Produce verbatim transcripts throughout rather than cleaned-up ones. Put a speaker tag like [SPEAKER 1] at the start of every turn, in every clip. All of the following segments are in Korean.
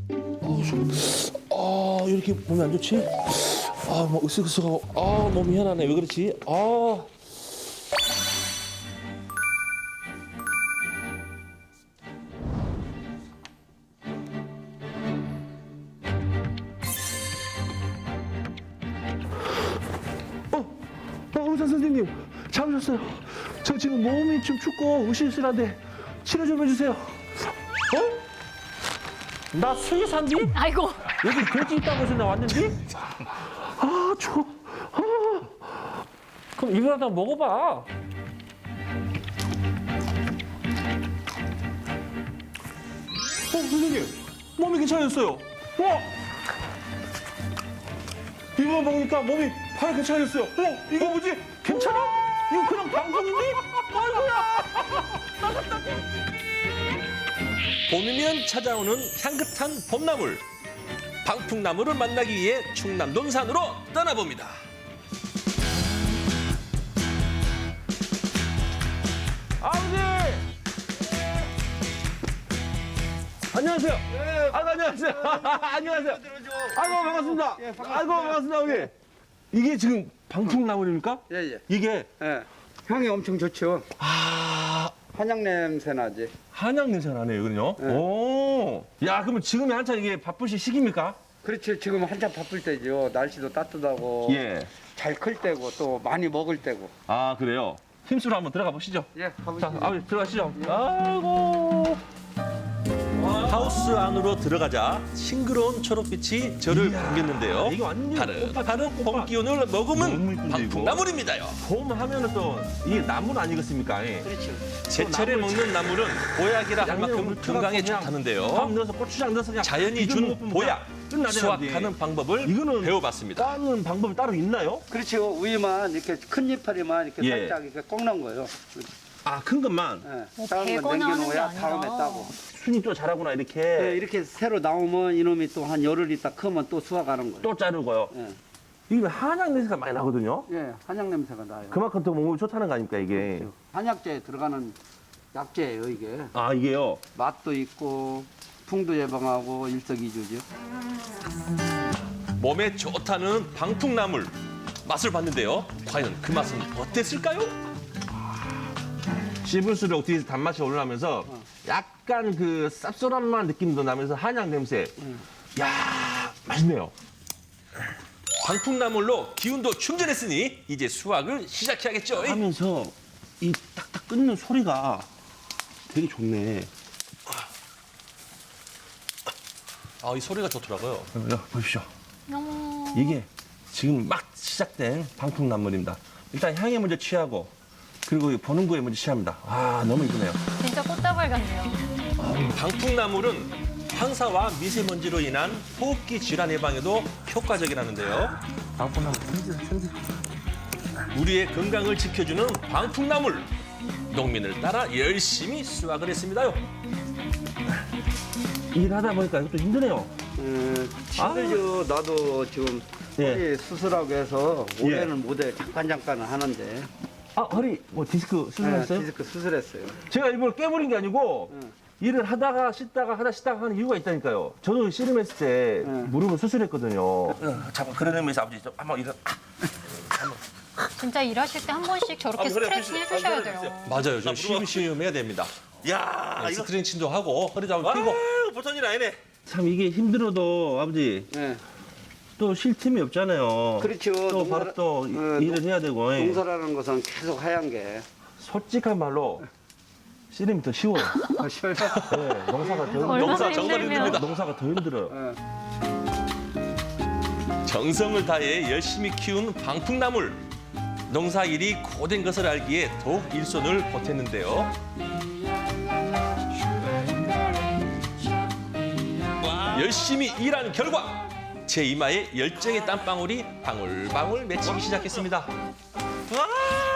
[SPEAKER 1] 아, 좀, 아, 이렇게 몸이 안 좋지? 아, 뭐 으쓱으쓱하고, 아, 너무 희한하네. 왜 그렇지? 아. 어, 어, 의사 선생님, 잡으셨어요. 저 지금 몸이 좀 춥고 으실으실한데 치료 좀 해주세요. 어? 나 수의사인데?
[SPEAKER 2] 아이고.
[SPEAKER 1] 여기 돼지 있다고 해서 나 왔는데? 아, 추워. 아. 그럼 이거라도 먹어봐. 어, 선생님. 몸이 괜찮아졌어요. 와! 이거 먹으니까 몸이 바로 괜찮아졌어요. 어? 이거 뭐지? 괜찮아? 이거 그냥 방송인데? 아이고야!
[SPEAKER 3] 봄이면 찾아오는 향긋한 봄나물. 방풍나물을 만나기 위해 충남 논산으로 떠나봅니다.
[SPEAKER 1] 아버지! 안녕하세요. 아이고, 안녕하세요. 안녕하세요. 아이고, 반갑습니다. 아이고, 반갑습니다, 어머니. 이게 지금 방풍나물입니까?
[SPEAKER 4] 예, 예.
[SPEAKER 1] 이게,
[SPEAKER 4] 예. 향이 엄청 좋죠.
[SPEAKER 1] 아,
[SPEAKER 4] 한약 냄새 나지.
[SPEAKER 1] 한약 냄새가 나네요, 이거는요.
[SPEAKER 4] 네.
[SPEAKER 1] 오. 야, 그러면 지금이 한창 이게 바쁘신 시기입니까?
[SPEAKER 4] 그렇지. 지금 한참 바쁠 때죠. 날씨도 따뜻하고
[SPEAKER 1] 예.
[SPEAKER 4] 잘 클 때고 또 많이 먹을 때고.
[SPEAKER 1] 아, 그래요? 힘쓰러 한번 들어가 보시죠.
[SPEAKER 4] 예,
[SPEAKER 1] 자,
[SPEAKER 4] 가보시죠.
[SPEAKER 1] 아버지 들어가시죠. 아이고.
[SPEAKER 3] 하우스 안으로 들어가자 싱그러운 초록빛이 저를
[SPEAKER 1] 이야,
[SPEAKER 3] 반겼는데요.
[SPEAKER 1] 이거 완전
[SPEAKER 3] 바른
[SPEAKER 1] 꽃밭,
[SPEAKER 3] 바른
[SPEAKER 1] 꽃밭.
[SPEAKER 3] 봄 기운을
[SPEAKER 1] 너무
[SPEAKER 3] 머금은
[SPEAKER 1] 이쁜데,
[SPEAKER 3] 방풍나물입니다요.
[SPEAKER 1] 봄 하면은 또 이게 나물 아니겠습니까? 예.
[SPEAKER 4] 그렇죠.
[SPEAKER 3] 제철에
[SPEAKER 1] 나물
[SPEAKER 3] 먹는 나물은 보약이라 할 만큼
[SPEAKER 1] 양념을
[SPEAKER 3] 건강에
[SPEAKER 1] 그냥
[SPEAKER 3] 좋다는데요.
[SPEAKER 1] 밥 넣어서 고추장 넣어서 그냥
[SPEAKER 3] 자연이
[SPEAKER 1] 비벼
[SPEAKER 3] 준
[SPEAKER 1] 먹으면
[SPEAKER 3] 보약,
[SPEAKER 1] 끝나잖아요,
[SPEAKER 3] 수확하는
[SPEAKER 1] 이제.
[SPEAKER 3] 방법을
[SPEAKER 1] 이거는
[SPEAKER 3] 배워봤습니다.
[SPEAKER 1] 따는 방법이 따로 있나요?
[SPEAKER 4] 그렇죠. 우유만 이렇게 큰 이파리만 이렇게
[SPEAKER 1] 예.
[SPEAKER 4] 살짝 이렇게 꺾는 거예요.
[SPEAKER 1] 아, 큰 것만.
[SPEAKER 4] 예.
[SPEAKER 2] 뭐
[SPEAKER 4] 작은 건
[SPEAKER 2] 베거나 하는 게
[SPEAKER 4] 남겨놓아야
[SPEAKER 2] 아니라.
[SPEAKER 4] 다음에 따고.
[SPEAKER 1] 순이 또 잘하구나, 이렇게.
[SPEAKER 4] 예, 이렇게 새로 나오면 이놈이 또 한 열흘 있다 크면 또 수확하는 거예요.
[SPEAKER 1] 또 자르고요.
[SPEAKER 4] 예.
[SPEAKER 1] 이게 한약 냄새가 많이 나거든요.
[SPEAKER 4] 예, 한약 냄새가 나요.
[SPEAKER 1] 그만큼 더 몸이 좋다는 거 아닙니까, 이게.
[SPEAKER 4] 그렇죠. 한약재에 들어가는 약재예요, 이게.
[SPEAKER 1] 아, 이게요.
[SPEAKER 4] 맛도 있고 풍도 예방하고 일석이조죠.
[SPEAKER 3] 몸에 좋다는 방풍나물 맛을 봤는데요. 과연 그 맛은 어땠을까요?
[SPEAKER 1] 씹을수록 뒤에서 단맛이 올라오면서 약간 그 쌉쌀한 느낌도 나면서 한약 냄새. 야, 맛있네요.
[SPEAKER 3] 방풍나물로 기운도 충전했으니 이제 수확을 시작해야겠죠.
[SPEAKER 1] 하면서 이 딱딱 끊는 소리가 되게 좋네.
[SPEAKER 3] 아, 이 소리가 좋더라고요.
[SPEAKER 1] 자, 보십시오.
[SPEAKER 2] 어머.
[SPEAKER 1] 이게 지금 막 시작된 방풍나물입니다. 일단 향에 먼저 취하고 그리고 이 보는 거에 먼저 취합니다. 아, 너무 이쁘네요.
[SPEAKER 2] 진짜 꽃다발 같네요.
[SPEAKER 3] 방풍나물은 황사와 미세먼지로 인한 호흡기 질환 예방에도 효과적이라는데요.
[SPEAKER 1] 방풍나물 생지, 생지.
[SPEAKER 3] 우리의 건강을 지켜주는 방풍나물. 농민을 따라 열심히 수확을 했습니다요.
[SPEAKER 1] 일하다 보니까 이것도 힘드네요.
[SPEAKER 4] 음, 힘들죠. 나도 지금
[SPEAKER 1] 예.
[SPEAKER 4] 허리 수술하고 해서 올해는 못해 잠깐 잠깐은 하는데.
[SPEAKER 1] 아, 허리 뭐 디스크
[SPEAKER 4] 네,
[SPEAKER 1] 수술했어요?
[SPEAKER 4] 디스크 수술했어요.
[SPEAKER 1] 제가 일부러 깨버린 게 아니고
[SPEAKER 4] 응.
[SPEAKER 1] 일을 하다가 쉬다가 하다 쉬다가 하는 이유가 있다니까요. 저도 씨름했을 때
[SPEAKER 4] 응.
[SPEAKER 1] 무릎을 수술했거든요. 잠깐 그런 의미에서 아버지 좀 한번 이런
[SPEAKER 2] 진짜 일하실 때 한 번씩 저렇게
[SPEAKER 1] 아, 그래,
[SPEAKER 2] 스트레칭
[SPEAKER 1] 해주세요.
[SPEAKER 2] 해주셔야
[SPEAKER 1] 아, 그래,
[SPEAKER 2] 돼요.
[SPEAKER 3] 맞아요. 좀 쉬엄쉬엄 해야 됩니다.
[SPEAKER 1] 야,
[SPEAKER 3] 네, 스트레칭도 하고 허리도 한번 펴고.
[SPEAKER 1] 보통 일 아니네. 참 이게 힘들어도 아버지
[SPEAKER 4] 네.
[SPEAKER 1] 또 쉴 틈이 없잖아요.
[SPEAKER 4] 그렇죠.
[SPEAKER 1] 또
[SPEAKER 4] 농사를-
[SPEAKER 1] 바로 또
[SPEAKER 4] 어,
[SPEAKER 1] 일을 해야 되고. 예.
[SPEAKER 4] 농사라는 것은 계속 하얀 게.
[SPEAKER 1] 솔직한 말로 씨름이 더 쉬워요.
[SPEAKER 4] 아, 쉬워요.
[SPEAKER 1] 네, 농사가 더 힘들어요.
[SPEAKER 2] 얼마나
[SPEAKER 3] 농사 정말
[SPEAKER 2] 힘들면.
[SPEAKER 3] 힘듭니다.
[SPEAKER 1] 농사가 더 힘들어요.
[SPEAKER 4] 네.
[SPEAKER 3] 정성을 다해 열심히 키운 방풍나물. 농사일이 고된 것을 알기에 더욱 일손을 보탰는데요. 열심히 일한 결과 제 이마에 열정의 땀방울이 방울방울 맺히기 시작했습니다. 와!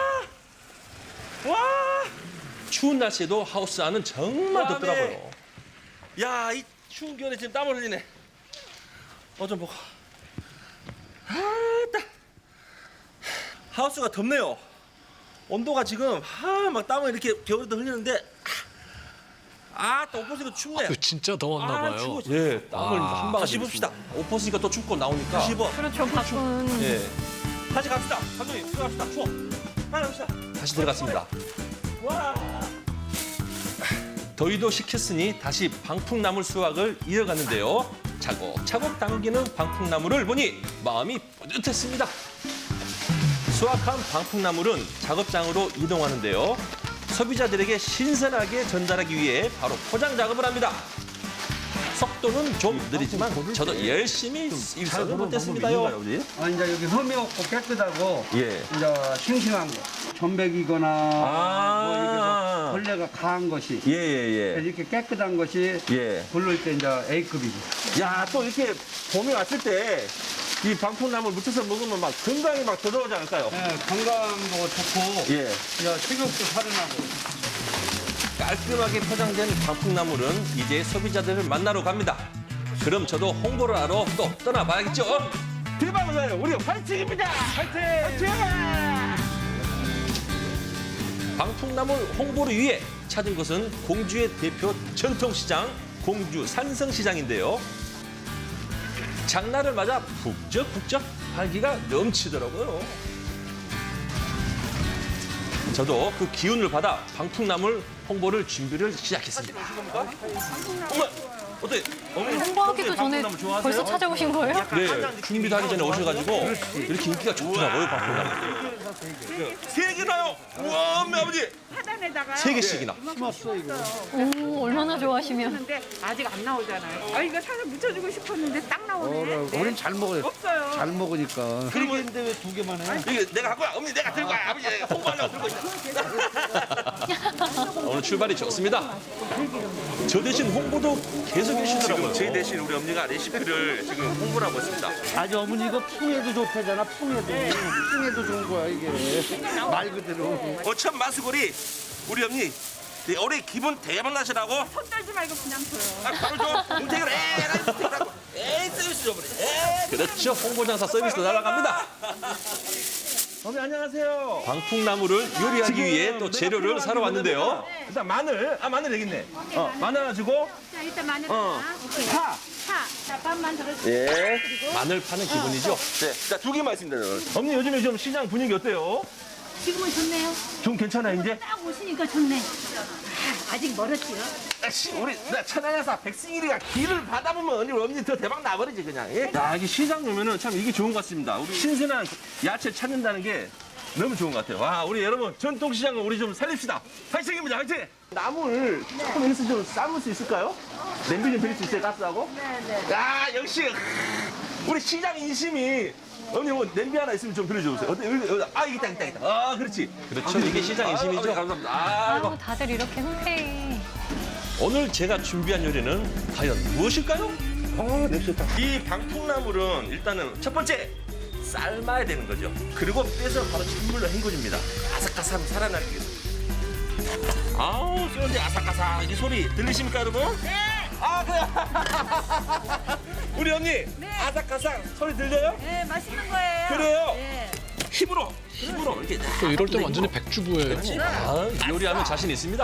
[SPEAKER 3] 와! 추운 날씨에도 하우스 안은 정말 덥더라고요.
[SPEAKER 1] 야, 이 추운 겨울에 지금 땀을 흘리네. 어, 좀 보고. 아따. 하우스가 덥네요. 온도가 지금 아, 막 땀을 이렇게 겨울에도 흘리는데
[SPEAKER 3] 아, 또 오퍼스니까 춥네.
[SPEAKER 5] 그 진짜 더웠나
[SPEAKER 3] 아,
[SPEAKER 5] 봐요.
[SPEAKER 3] 추워. 예, 땀을
[SPEAKER 5] 아.
[SPEAKER 3] 한 방울 다시 봅시다. 오퍼스니까 또 춥고 나오니까. 다시 입어.
[SPEAKER 2] 그렇죠, 바쁜.
[SPEAKER 3] 예. 다시 갑시다. 감독님, 들어갑시다. 추워. 하나 갑시다. 다시 들어갔습니다. 와. 더위도 식혔으니 다시 방풍나물 수확을 이어갔는데요. 차곡차곡 당기는 방풍나물을 보니 마음이 뿌듯했습니다. 수확한 방풍나물은 작업장으로 이동하는데요. 소비자들에게 신선하게 전달하기 위해 바로 포장 작업을 합니다. 속도는 좀 느리지만 저도 열심히 일선을 못했습니다요.
[SPEAKER 4] 아, 이제 여기 흠이 없고 깨끗하고
[SPEAKER 1] 예.
[SPEAKER 4] 이제 싱싱한 거. 전백이거나
[SPEAKER 1] 아.
[SPEAKER 4] 뭐 이게 뭐 벌레가 강한 것이
[SPEAKER 1] 예, 예, 예.
[SPEAKER 4] 이렇게 깨끗한 것이
[SPEAKER 1] 예.
[SPEAKER 4] 부를 때 이제 A급이고.
[SPEAKER 1] 야, 또 이렇게 봄이 왔을 때 이 방풍나물 무쳐서 먹으면 막 건강이 막 더더워지 않을까요?
[SPEAKER 4] 예, 건강도 좋고
[SPEAKER 1] 예.
[SPEAKER 4] 이제 식욕도 살아나고.
[SPEAKER 3] 깔끔하게 포장된 방풍나물은 이제 소비자들을 만나러 갑니다. 그럼 저도 홍보를 하러 또 떠나봐야겠죠?
[SPEAKER 1] 대박이에요. 우리 화이팅입니다. 화이팅! 화이팅!
[SPEAKER 3] 방풍나물 홍보를 위해 찾은 곳은 공주의 대표 전통시장 공주 산성시장인데요. 장날을 맞아 북적북적 활기가 넘치더라고요. 저도 그 기운을 받아 방풍나물 홍보를 준비를 시작했습니다. 어머, 어때? 어머니
[SPEAKER 2] 홍보하기도 전에
[SPEAKER 3] 방풍나물 좋아하세요?
[SPEAKER 2] 벌써 찾아오신 거예요?
[SPEAKER 3] 네, 준비도 하기 전에 오셔가지고 이렇게 인기가 좋더라고요, 방풍나물. 세 개나요? 우와, 엄마 아버지!
[SPEAKER 6] 하단에다가
[SPEAKER 3] 세 개씩이나.
[SPEAKER 2] 오, 얼마나 좋아하시면.
[SPEAKER 6] 근데 아직 안 나오잖아요. 아 이거 사서 묻혀주고 싶었는데 딱 나오네. 네.
[SPEAKER 4] 우린 잘 먹어요.
[SPEAKER 6] 없어요.
[SPEAKER 4] 잘 먹으니까.
[SPEAKER 3] 그러면
[SPEAKER 4] 근데 왜 두 개만 해?
[SPEAKER 3] 이게 내가 갖고 와. 어머니 내가 들고 와. 아버지 내가 홍보하려고 들고 있어. 오늘 출발이 좋습니다. 저 대신 홍보도 계속 해주시더라고요.
[SPEAKER 1] 제 대신 우리 엄니가 레시피를 지금 홍보를 하고 있습니다.
[SPEAKER 4] 아니 어머니 이거 풍에도 좋다잖아. 풍에도. 풍에도 좋은 거야 이게. 말 그대로.
[SPEAKER 1] 어천 마수골이 우리 엄니 네, 올해 기분 대박 나시라고
[SPEAKER 6] 손 떨지 말고 그냥 줘요.
[SPEAKER 1] 아, 바로 좀 공택을 에라이 공택을 에이 서비스 줘버려. 에이.
[SPEAKER 3] 그렇죠. 홍보장사 서비스도 날아갑니다.
[SPEAKER 1] 어머니 안녕하세요.
[SPEAKER 3] 방풍나물을 요리하기 위해 또 재료를 사러 왔는데요.
[SPEAKER 1] 일단 마늘, 아 마늘 여기 있네. 어, 마늘 하나 주고
[SPEAKER 6] 자 일단 마늘
[SPEAKER 1] 어.
[SPEAKER 6] 하나. 오케이.
[SPEAKER 1] 파.
[SPEAKER 6] 파. 자 반만 들어주세요.
[SPEAKER 1] 예.
[SPEAKER 3] 마늘 파는 기분이죠.
[SPEAKER 1] 네, 자 두 개만 있습니다. 저는. 어머니 요즘에 좀 시장 분위기 어때요?
[SPEAKER 6] 지금은 좋네요.
[SPEAKER 1] 좀 괜찮아요 이제?
[SPEAKER 6] 딱 오시니까 좋네. 아, 아직 멀었지요.
[SPEAKER 1] 씨, 우리 나 천안여사 백승일이가 길을 받아보면 언니 언니 더 대박 나버리지 그냥. 예? 야 이게 시장 오면은 참 이게 좋은 것 같습니다. 우리 신선한 야채 찾는다는 게 너무 좋은 것 같아요. 와 우리 여러분 전통시장을 우리 좀 살립시다. 화이팅입니다 화이팅. 나물 조금 해서 좀 삶을 수 있을까요? 냄비 좀 빌릴 수 있어요 가스하고? 네네. 야 역시 우리 시장 인심이. 언니 뭐 냄비 하나 있으면 좀 빌려주세요. 어때? 여기, 여기, 아 있다 있다 있다. 아 그렇지.
[SPEAKER 3] 그렇죠. 이게 시장 인심이죠.
[SPEAKER 1] 아, 감사합니다. 아, 이거.
[SPEAKER 2] 아유, 다들 이렇게 흔쾌히.
[SPEAKER 3] 오늘 제가 준비한 요리는 과연 무엇일까요?
[SPEAKER 1] 아, 냄새 좋다. 이 방풍나물은 일단은 첫 번째 삶아야 되는 거죠. 그리고 빼서 바로 찬물로 헹궈줍니다. 아삭아삭 살아나기 위해서. 아우, 쏘는데 아삭아삭 이 소리 들리십니까, 여러분? 네. 아, 그래. 우리 언니 아삭아삭 소리 들려요?
[SPEAKER 6] 네 맛있는 거예요.
[SPEAKER 1] 그래요?
[SPEAKER 6] 네.
[SPEAKER 1] 힘으로, 힘으로 이렇게.
[SPEAKER 5] 또 이럴 때 완전히 백주부예요.
[SPEAKER 3] 아, 요리하면 자신 있습니다.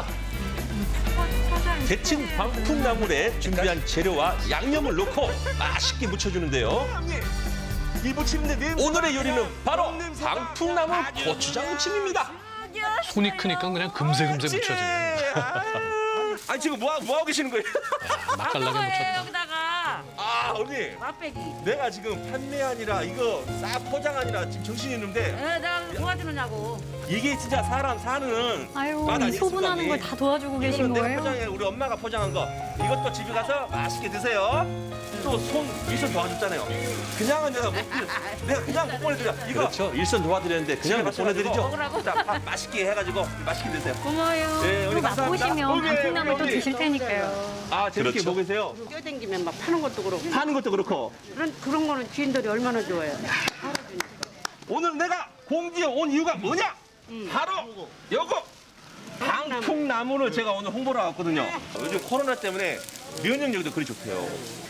[SPEAKER 3] 데친 방풍나물에 준비한 재료와 양념을 넣고 맛있게 무쳐주는데요.
[SPEAKER 1] 언니, 이 무침인데 냄새.
[SPEAKER 3] 오늘의 요리는 바로 방풍나물 고추장 무침입니다.
[SPEAKER 5] 손이 크니까 그냥 금세금세 묻혀지네.
[SPEAKER 1] 아니 지금 뭐, 뭐 하고 계시는 거예요?
[SPEAKER 5] 맛깔나게 묻혔다.
[SPEAKER 6] 여기다가
[SPEAKER 1] 아 언니
[SPEAKER 6] 맛배기.
[SPEAKER 1] 내가 지금 판매 아니라 이거 싹 포장 아니라 지금 정신이 있는데
[SPEAKER 6] 네, 내가 도와주느냐고.
[SPEAKER 1] 이게 진짜 사람 사는
[SPEAKER 2] 아유,
[SPEAKER 1] 맛
[SPEAKER 2] 이
[SPEAKER 1] 아니겠습니까,
[SPEAKER 2] 소분하는
[SPEAKER 1] 언니?
[SPEAKER 2] 걸 다 도와주고 계신
[SPEAKER 1] 이거는 내가
[SPEAKER 2] 거예요?
[SPEAKER 1] 포장해 우리 엄마가 포장한 거 이것도 집에 가서 맛있게 드세요. 또 손 일손 도와줬잖아요. 그냥은 내가 못 드려. 내가 그냥 못 보내드려. 이거
[SPEAKER 3] 그렇죠. 일선 도와드렸는데 그냥 못 보내드리죠.
[SPEAKER 6] 먹으라고.
[SPEAKER 1] 자, 밥 맛있게 해가지고 맛있게 드세요.
[SPEAKER 6] 고마워요.
[SPEAKER 1] 네,
[SPEAKER 2] 또
[SPEAKER 1] 우리 감사합니다.
[SPEAKER 2] 맛보시면
[SPEAKER 1] 오케이,
[SPEAKER 2] 방풍나물 또
[SPEAKER 1] 우리
[SPEAKER 2] 드실 테니까요.
[SPEAKER 1] 아 재밌게
[SPEAKER 3] 그렇죠.
[SPEAKER 1] 먹으세요.
[SPEAKER 6] 뛰어댕기면 막 파는 것도 그렇고.
[SPEAKER 1] 파는 것도 그렇고
[SPEAKER 6] 그런 그런 거는 주인들이 얼마나 좋아해요.
[SPEAKER 1] 오늘 내가 공주에 온 이유가 뭐냐? 바로 요거 방풍나무를 제가 오늘 홍보를 왔거든요. 요즘 코로나 때문에 면역력도 그리 좋대요.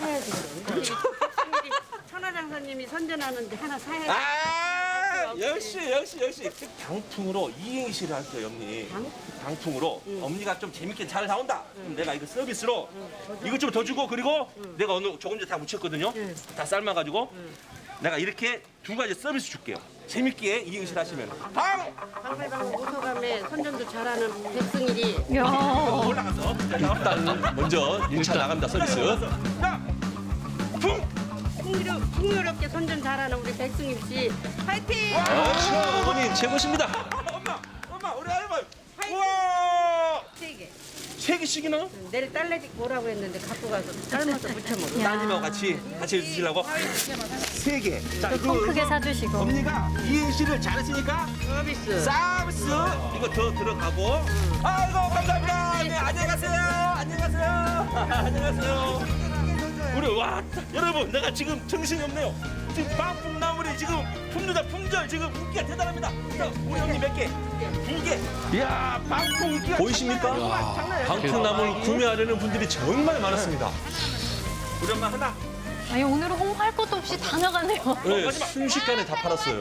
[SPEAKER 6] 천하장사님이 선전하는데 하나 사야지.
[SPEAKER 1] 아 역시 역시 역시 방풍으로 이행시를 할게요, 언니.
[SPEAKER 6] 방?
[SPEAKER 1] 방풍으로 엄니가 좀 재밌게 잘 나온다. 그럼 내가 이거 서비스로 이것 좀 더 주고 그리고 내가 오늘 조금 전에 다 묻혔거든요. 다 삶아가지고 내가 이렇게 두 가지 서비스 줄게요. 재밌게 이 음식 하시면 방
[SPEAKER 7] 방배방 오소감에 선전도 잘하는 백승일이
[SPEAKER 2] 야.
[SPEAKER 1] 올라가서
[SPEAKER 3] 일단 먼저 일 차 나갑니다, 서비스.
[SPEAKER 1] 자, 풍
[SPEAKER 7] 풍요롭, 풍요롭게 선전 잘하는 우리 백승일 씨 파이팅!
[SPEAKER 3] 그렇죠, 어머님 최고십니다.
[SPEAKER 1] 엄마 엄마 우리 할머니 우와
[SPEAKER 7] 세 개.
[SPEAKER 1] 세 개씩이나
[SPEAKER 7] 내일 딸내집 오라고 했는데 갖고 가서 삶아서 무쳐 먹어.
[SPEAKER 1] 따님하고 같이 같이 드시려고 세 개. 자,
[SPEAKER 2] 통 크게 사주시고.
[SPEAKER 1] 언니가 이행시를 잘했으니까
[SPEAKER 7] 서비스.
[SPEAKER 1] 서비스 이거 더 들어가고. 아이고 감사합니다. 네, 안녕히 가세요. 안녕히 가세요. 안녕하세요. 우리 와 여러분 내가 지금 정신이 없네요. 지금 방풍나물이 지금 품류다 품절 지금 인기가 대단합니다. 자, 우리 언니 몇 개? 두 개. 이야 방풍 인기가
[SPEAKER 3] 보이십니까?
[SPEAKER 1] 장난이 아니구만, 장난이 아니야.
[SPEAKER 3] 방풍나물 구매하려는 분들이 정말 많았습니다.
[SPEAKER 1] 우리 엄마 하나.
[SPEAKER 2] 아니 오늘은 홍보할 것도 없이 다 나가네요.
[SPEAKER 3] 네, 순식간에 다 팔았어요.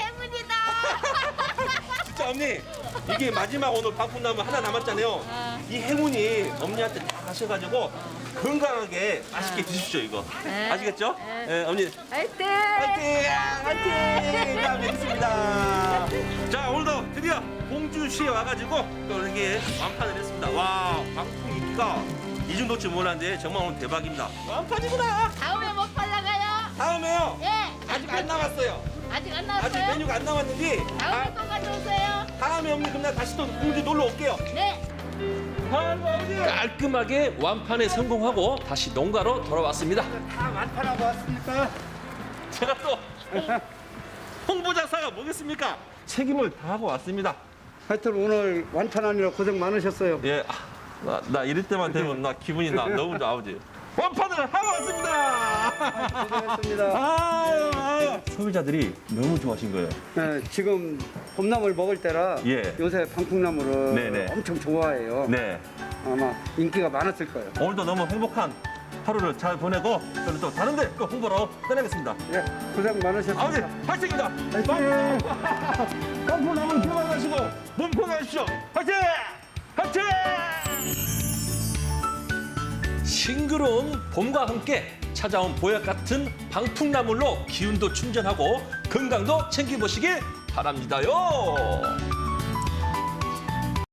[SPEAKER 1] 진짜 언니 이게 마지막 오늘 방풍나물 하나 남았잖아요. 이 행운이 언니한테 다 가셔가지고 건강하게 맛있게 드십시오 이거. 아시겠죠? 네, 언니
[SPEAKER 7] 파이팅!
[SPEAKER 1] 화이팅! 화이팅! 다음에 뵙겠습니다. 자 오늘도 드디어 공주시에 와가지고 또 이렇게 완판을 했습니다. 와 방풍 인기가 이 정도쯤 몰랐는데 정말 오늘 대박입니다. 완판이구나.
[SPEAKER 8] 다음에 못 팔라가요?
[SPEAKER 1] 다음에요.
[SPEAKER 8] 예.
[SPEAKER 1] 아직 안 남았어요.
[SPEAKER 8] 아직 안
[SPEAKER 1] 아직
[SPEAKER 8] 나왔어요?
[SPEAKER 1] 메뉴가 안 남았는데
[SPEAKER 8] 다음에
[SPEAKER 1] 아,
[SPEAKER 8] 또 가져오세요.
[SPEAKER 1] 다음에 언니 그럼 나 다시 또 공주 놀러 올게요.
[SPEAKER 8] 네.
[SPEAKER 1] 아이고 아버지.
[SPEAKER 3] 깔끔하게 완판에 성공하고 다시 농가로 돌아왔습니다.
[SPEAKER 4] 다 완판하고 왔습니까?
[SPEAKER 1] 제가 또 홍보자사가 뭐겠습니까? 책임을 다하고 왔습니다.
[SPEAKER 4] 하여튼 오늘 완판하느라 고생 많으셨어요.
[SPEAKER 1] 예, 아, 나, 나 이럴 때만 되면 나 기분이 나 너무 좋아 아버지. 완판을 하고 왔습니다.
[SPEAKER 4] 고생했습니다.
[SPEAKER 1] 아유, 아유. 소비자들이 너무 좋아하신 거예요.
[SPEAKER 4] 네, 지금 봄나물 먹을 때라
[SPEAKER 1] 예.
[SPEAKER 4] 요새 방풍나물을
[SPEAKER 1] 네네.
[SPEAKER 4] 엄청 좋아해요.
[SPEAKER 1] 네,
[SPEAKER 4] 아마 인기가 많았을 거예요.
[SPEAKER 1] 오늘도 너무 행복한 하루를 잘 보내고 저는 또 다른데 또 홍보로 떠나겠습니다.
[SPEAKER 4] 예, 고생 많으셨습니다.
[SPEAKER 1] 아버지 화이팅입니다.
[SPEAKER 4] 화이팅!
[SPEAKER 1] 방풍나물 건강하시고 몸 건강하십시오. 화이팅! 화이팅!
[SPEAKER 3] 싱그러운 봄과 함께 찾아온 보약 같은 방풍나물로 기운도 충전하고 건강도 챙겨보시길 바랍니다요.